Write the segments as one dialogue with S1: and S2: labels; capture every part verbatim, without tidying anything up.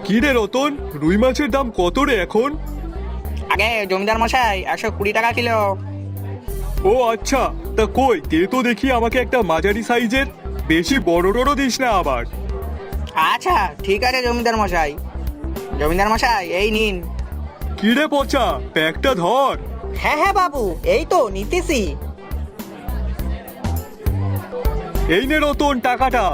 S1: কি রে রতন, রুই মাছের দাম কত রে এখন?
S2: আগে জমিদার মশাই একশো কুড়ি টাকা কিলো।
S1: ও আচ্ছা, তা কই দে তো দেখি আমাকে একটা মাঝারি সাইজের, বেশি বড় টড় দিস না আবার।
S2: আচ্ছা ঠিক আছে জমিদার মশাই। জমিদার মশাই এই নিন।
S1: কি রে পচা, প্যাকটা ধর।
S2: হ্যাঁ হ্যাঁ বাবু, এই তো নিতেছি।
S1: এই নে রতন টাকাটা।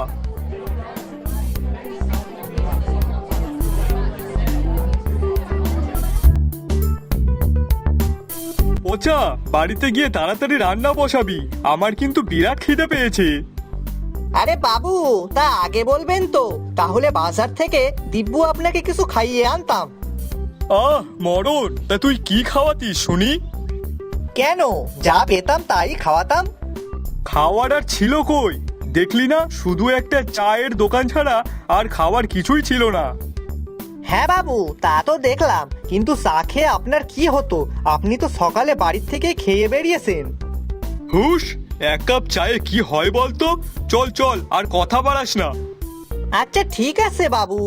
S1: পচা, বাড়িতে গিয়ে তাড়াতাড়ি রান্না বসাবি, আমার কিন্তু বিরাট খিদে পেয়েছে।
S3: আরে বাবু, তা আগে বলবেন তো, তাহলে বাজার থেকে দিব্যু আপনাকে কিছু খাইয়ে আনতাম।
S1: আহ মরণ, তা তুই কি খাওয়াতিস শুনি?
S3: কেন, যা পেতাম তাই খাওয়াতাম।
S1: খাওয়ার আর ছিল কই? দেখলি না, শুধু একটা চায়ের দোকান ছাড়া আর খাওয়ার কিছুই ছিল না।
S3: হ্যাঁ বাবু, তা তো দেখলাম, কিন্তু চা খেয়ে আপনার কি হতো? আপনি তো সকালে বাড়ির থেকে খেয়ে বেরিয়েছেন।
S1: হুস, এক কাপ চায়ে কি হয় বলতো? চল চল, আর কথা বাড়াস না।
S3: আচ্ছা ঠিক আছে বাবু।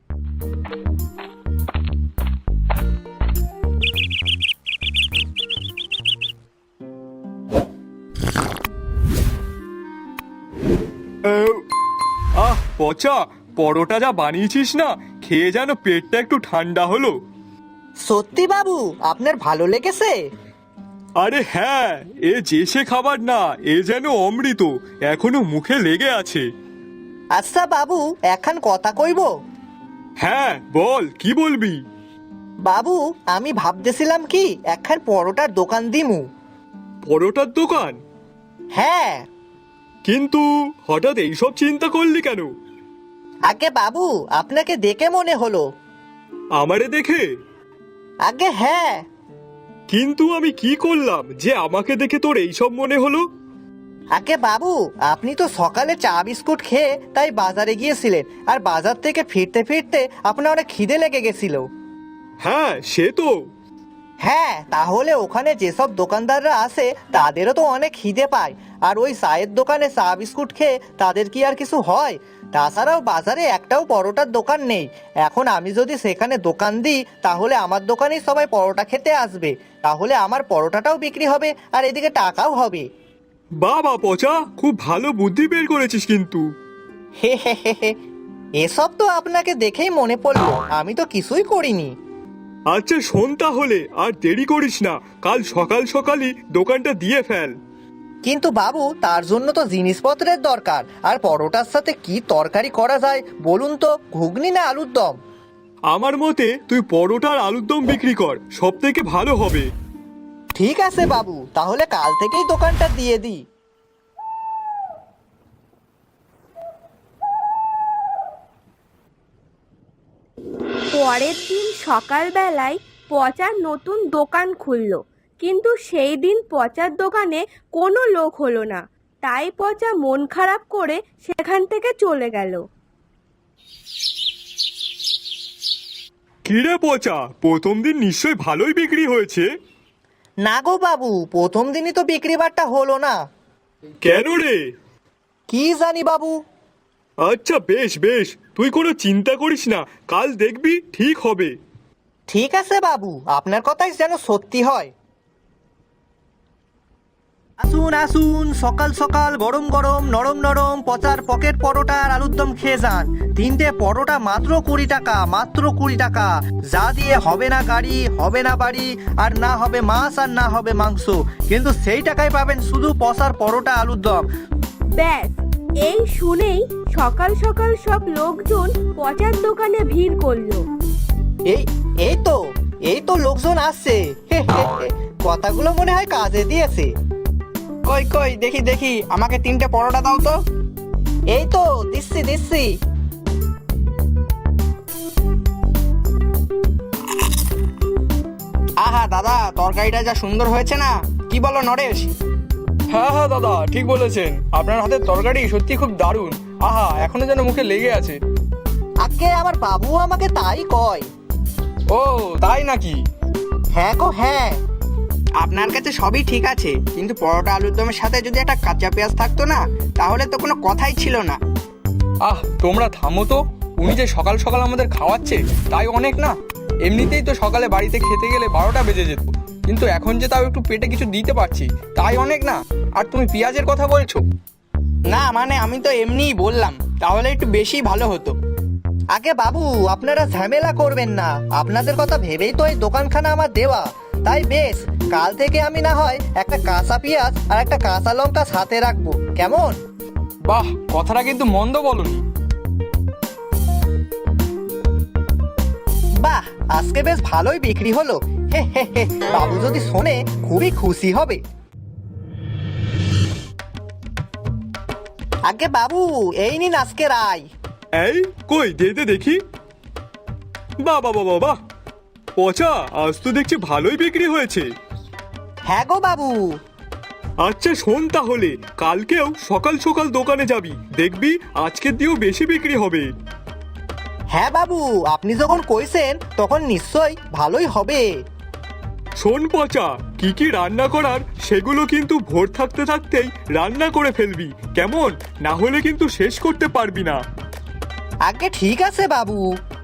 S1: আহ পচা, পরোটা যা বানিয়েছিস না, খেয়ে যেন পেটটা একটু ঠান্ডা হলো।
S3: সত্যি বাবু, আপনার ভালো লেগেছে?
S1: আরে হ্যাঁ, এ যে সে খাবার না, এ যেন অমৃত, এখনো মুখে লেগে আছে।
S3: আচ্ছা বাবু, এখন কথা কইব।
S1: হ্যাঁ বল, কি বলবি?
S3: বাবু, আমি ভাবতেছিলাম কি একখান পরোটার দোকান দিমু।
S1: পরোটার দোকান?
S3: হ্যাঁ।
S1: কিন্তু হঠাৎ এইসব চিন্তা করলি কেন?
S3: আগে বাবু, আপনাকে দেখে মনে হলো।
S1: আমারে দেখে?
S3: আগে হ্যাঁ।
S1: কিন্তু আমি কি করলাম যে আমাকে দেখে তোর এইসব মনে হলো?
S3: আগে বাবু, আপনি তো সকালে চা বিস্কুট খেয়ে তাই বাজারে গিয়েছিলেন, আর বাজার থেকে ফিরতে ফিরতে আপনার অনেক খিদে লেগে গেছিল।
S1: হ্যাঁ সে তো।
S3: হ্যাঁ, তাহলে ওখানে যেসব দোকানদাররা আসে তাদেরও তো অনেক খিদে পায়, আর ওই চায়ের দোকানে চা বিস্কুট খেয়ে তাদের কি আর কিছু হয়? তাছাড়াও বাজারে একটাও পরোটার দোকান নেই। এখন আমি যদি সেখানে দোকান দিই, তাহলে আমার দোকানেই সবাই পরোটা খেতে আসবে, তাহলে আমার পরোটাটাও বিক্রি হবে আর এদিকে টাকাও হবে।
S1: বাবা পচা, খুব ভালো বুদ্ধি বের করেছিস কিন্তু।
S3: হে হে হে হে, এসব তো আপনাকে দেখেই মনে পড়লো, আমি তো কিছুই করিনি।
S1: আচ্ছা শোন তাহলে, আর দেরি করিস না, কাল সকাল সকালই দোকানটা দিয়ে ফেল।
S3: কিন্তু বাবু, তার জন্য তো জিনিসপত্রের দরকার, আর পরোটার সাথে কি তরকারি করা যায় বলুন তো? ঘুগনি না আলুর দম?
S1: আমার মতে তুই পরোটা আর আলুর দম বিক্রি কর, সব থেকে ভালো হবে।
S3: ঠিক আছে বাবু, তাহলে কাল থেকেই দোকানটা দিয়ে দিই।
S4: পরের দিন সকালবেলায় পচার নতুন দোকান খুলল, কিন্তু সেই দিন পচার দোকানে কোনো লোক হলো না। তাই পচা মন খারাপ করে সেখান থেকে চলে গেল।
S1: কিরে পচা, প্রথম দিন নিশ্চয়ই ভালোই বিক্রি হয়েছে?
S3: না গো বাবু, প্রথম দিনই তো বিক্রি বাট্টা হলো না।
S1: কেন রে?
S3: কি জানি বাবু।
S1: আচ্ছা বেশ বেশ, তুই কোনো চিন্তা করিস না, কাল দেখবি ঠিক হবে।
S3: ঠিক আছে বাবু, আপনার কথাই যেন সত্যি হয়। আসুন আসুন, সকাল সকাল গরম গরম নরম নরম পচার পকেট পরোটা আর আলুর দম খেয়ে যান। তিনটে পরোটা মাত্র কুড়ি টাকা, মাত্র কুড়ি টাকা, যা দিয়ে হবে না গাড়ি, হবে না বাড়ি, আর না হবে মাছ আর না হবে মাংস, কিন্তু সেই টাকায় পাবেন শুধু পচার পরোটা আলুর দম।
S4: ব্যাস, এই শুনেই সকাল সকাল সব লোকজন পচার দোকানে ভিড় করলো।
S3: এই এই তো এই তো লোকজন আসছে। হে হে হে, কথাগুলো মনে হয় কাজে দিয়েছে।
S2: কই কই দেখি দেখি, আমাকে তিনটে পরোটা দাও তো।
S3: এই তো দিচ্ছি দিচ্ছি।
S2: আহা দাদা, তরকারিটা যা সুন্দর হয়েছে না, কি বলো নরেশ?
S5: হ্যাঁ হ্যাঁ দাদা, ঠিক বলেছেন, আপনার হাতের তরকারি সত্যি খুব দারুণ। আহা, এখনো যেন মুখে লেগে আছে।
S3: আগে আমার বাবু আমাকে তাই কয়।
S5: ও তাই নাকি?
S3: হ্যাঁ গো হ্যাঁ।
S2: আপনার কাছে সবই ঠিক আছে, কিন্তু পরোটা আলুর দমের সাথে যদি একটা কাঁচা পেঁয়াজ থাকতো না, তাহলে তো কোনো কথাই ছিল না।
S5: আহ তোমরা থামো তো, উনি যে সকাল সকাল আমাদের খাওয়াচ্ছে তাই অনেক না। এমনিতেই তো সকালে বাড়িতে খেতে গেলে বারোটা বেজে যেত, কিন্তু এখন যে তাও একটু পেটে কিছু দিতে পারছি তাই অনেক না। আর তুমি পেঁয়াজের কথা বলছো?
S2: না মানে আমি তো এমনিই বললাম, তাহলে একটু বেশি ভালো হতো।
S3: আগে বাবু, আপনারা ঝামেলা করবেন না, আপনাদের কথা ভেবেই তো এই দোকানখানা আমার দেওয়া। তাই বেশ, কাল থেকে আমি না হয় একটা কাঁচা পেঁয়াজ আর একটা কাঁচা লঙ্কা সাথে রাখবো, কেমন?
S5: বাহ, কথাটা কিন্তু মন্দ বলনি।
S3: বাহ, আজকে বেশ ভালোই বিক্রি হলো। হে হে হে, বাবু যদি শোনে খুবই খুশি হবে। আগে বাবু, এই নিন আজকের আয়।
S1: এই কই দে দে দেখি। বাহ বাহ বাহ বাহ, পচা আজ তো দেখছি ভালোই বিক্রি হয়েছে।
S3: হ্যাঁ গো বাবু।
S1: আচ্ছা শোন, তাহলে কালকেও সকাল সকাল দোকানে যাবি, দেখবি আজকের দিয়েও বেশি বিক্রি হবে।
S3: হ্যাঁ বাবু, আপনি যখন কইছেন তখন নিশ্চয়ই ভালোই হবে।
S1: শোন পচা, কি কি রান্না করার সেগুলো কিন্তু ভোর থাকতে থাকতেই রান্না করে ফেলবি, কেমন? না হলে কিন্তু শেষ করতে পারবি না।
S3: আগে ঠিক আছে বাবু।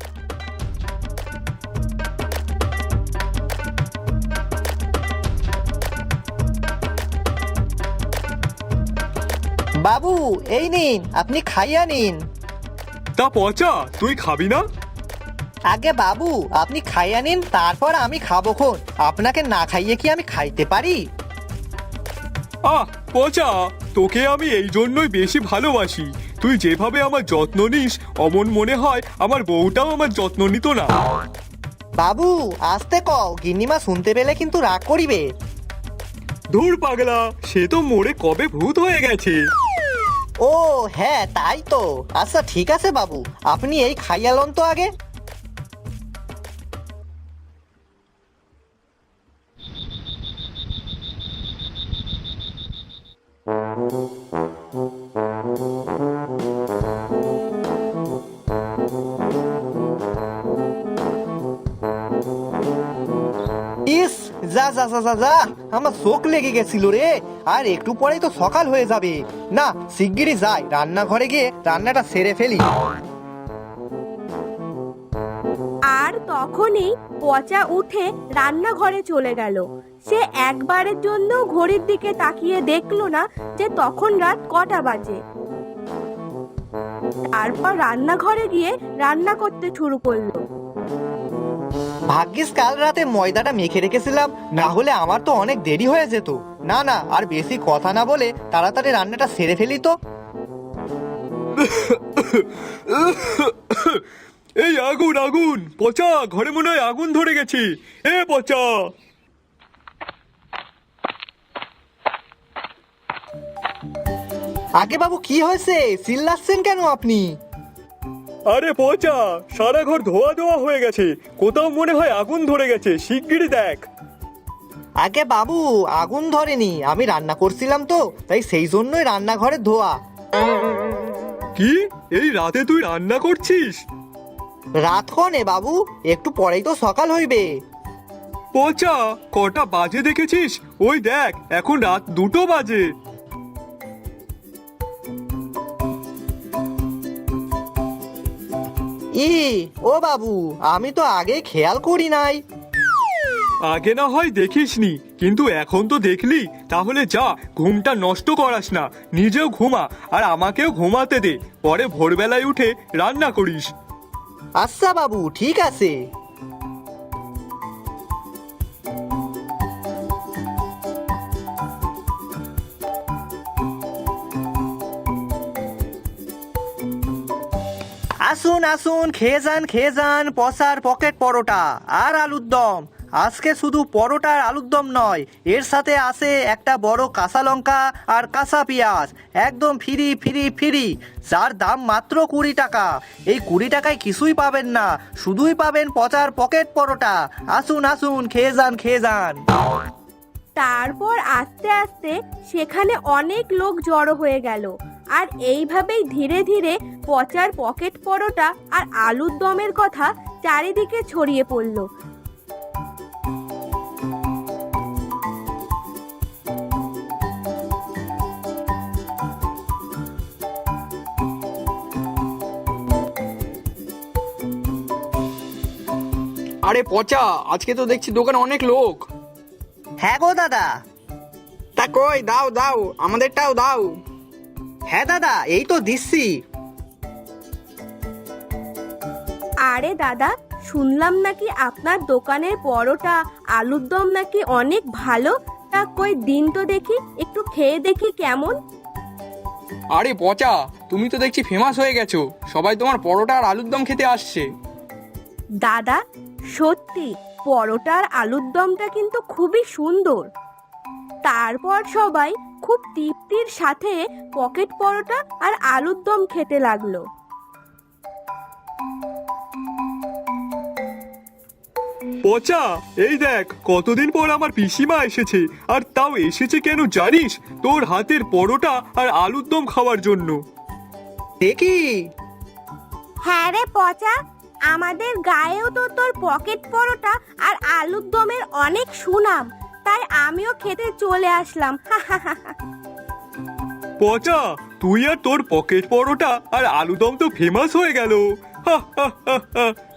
S3: বাবু এই নিন, আপনি খাইয়া নিন।
S1: তা পচা, তুই খাবি না?
S3: আগে বাবু, আপনি খাইয়া নিন, তারপর আমি খাবো খন। আপনাকে না খাইয়ে কি আমি খাইতে পারি?
S1: আহ পচা, তোকে আমি এই জন্যই বেশি ভালোবাসি। তুই যেভাবে আমার যত্ন নিস, অমন মনে হয় আমার বউটাও আমার যত্ন নিত না।
S3: বাবু আস্তে কও, গিন্নিমা শুনতে পেলে কিন্তু রাগ করিবে।
S1: ধুর পাগলা, সে তো মরে কবে ভূত হয়ে গেছে।
S3: ও হ্যাঁ, তাই তো। আচ্ছা ঠিক আছে বাবু, আপনি এই খাইয়া লন তো আগে। ইস, যা যা যা যা যা, আমার চোখ লেগে গেছিল রে। আর একটু পরেই তো সকাল হয়ে যাবে। না, শিগগিরই যাই রান্নাঘরে গিয়ে রান্নাটা সেরে ফেলি।
S4: আর তখনই পচা উঠে রান্নাঘরে চলে গেল। সে একবারের জন্য ঘড়ির দিকে তাকিয়ে দেখলো না যে তখন রাত কটা বাজে। তারপর রান্নাঘরে গিয়ে রান্না করতে শুরু করলো।
S3: ভাগ্যিস কাল রাতে ময়দাটা মেখে রেখেছিলাম, না হলে আমার তো অনেক দেরি হয়ে যেত। না না, আর বেশি কথা না বলে তাড়াতাড়ি রান্নাটা সেরে ফেলি তো।
S1: এই আগুন আগুন, পচা ঘরে মনে হয় আগুন ধরে গেছে। এ পচা,
S3: আগে বাবু কি হয়েছে, চিল্লাচ্ছেন কেন আপনি?
S1: আরে পচা, সারা ঘর ধোয়া ধোয়া হয়ে গেছে, কোথাও মনে হয় আগুন ধরে গেছে, শিগগিরই দেখ।
S3: আগে বাবু, আগুন ধরেনি, আমি রান্না করছিলাম তো, তাই সেই জন্যই রান্নাঘরে ধোয়া।
S1: কি, এই রাতে তুই রান্না করছিস?
S3: রাত কনে বাবু, একটু পরেই তো সকাল হইবে।
S1: পচা, কটা বাজে দেখেছিস? ওই দেখ, এখন রাত দুটো বাজে।
S3: ই ও বাবু, আমি তো আগে খেয়াল করি নাই।
S1: আগে না হয় দেখিসনি, কিন্তু এখন তো দেখলি। তাহলে যা, ঘুমটা নষ্ট করাস না, নিজেও ঘুমা আর আমাকেও ঘুমাতে দে, পরে ভোরবেলায় উঠে রান্না করিস।
S3: আচ্ছা বাবু, ঠিক আছে। আসুন আসুন, খেয়ে যান খেয়ে যান, পসার পকেট পরোটা আর আলুর দম। আজকে শুধু পরোটা আর আলুর দম নয়, এর সাথে আছে একটা বড় কাঁচা লঙ্কা আর কাঁচা পেঁয়াজ, একদম ফ্রি ফ্রি ফ্রি, যার দাম মাত্র কুড়ি টাকা। এই কুড়ি টাকায় কিছুই পাবেন না, শুধুই পাবেন পচার পকেট পরোটা। আসুন আসুন, খেয়ে যান খেয়ে যান।
S4: তারপর আস্তে আস্তে সেখানে অনেক লোক জড়ো হয়ে গেল। আর এইভাবেই ধীরে ধীরে পচার পকেট পরোটা আর আলুর দমের কথা চারিদিকে ছড়িয়ে পড়ল।
S5: আরে পচা, আজকে তো দেখছি দোকানে অনেক লোক।
S3: হ্যাঁ গো দাদা।
S2: তা কই দাও দাও, আমাদেরটাও দাও।
S3: হ্যাঁ দাদা, এই তো দিচ্ছি।
S4: আরে দাদা, শুনলাম নাকি আপনার দোকানের পরোটা আলুর দম নাকি অনেক ভালো। তা কই দিন তো দেখি, একটু খেয়ে দেখি কেমন।
S5: আরে পচা, তুমি তো দেখছি ফেমাস হয়ে গেছো, সবাই তোমার পরোটা আর আলুর দম খেতে আসছে।
S4: দাদা সত্যি পরোটা আর আলুর দমটা কিন্তু খুবই সুন্দর। তারপর সবাই খুব তৃপ্তির সাথে পকেট পরোটা আর আলুর দম খেতে লাগলো।
S1: পচা, এই দেখ কতদিন পর আমার পিসিমা এসেছে, আর তাও এসেছে কেন জানিস? তোর হাতের পরোটা আর আলুর দম খাওয়ার জন্য।
S3: দেখি।
S4: হ্যাঁ রে পচা, আমাদের গায়েও তো তোর পকেট পরোটা আর আলুর দমের অনেক সুনাম, তাই আমিও খেতে চলে আসলাম।
S1: পচা, তুই আর তোর পকেট পরোটা আর আলু দম তো ফেমাস হয়ে গেল। হা হা হা হা।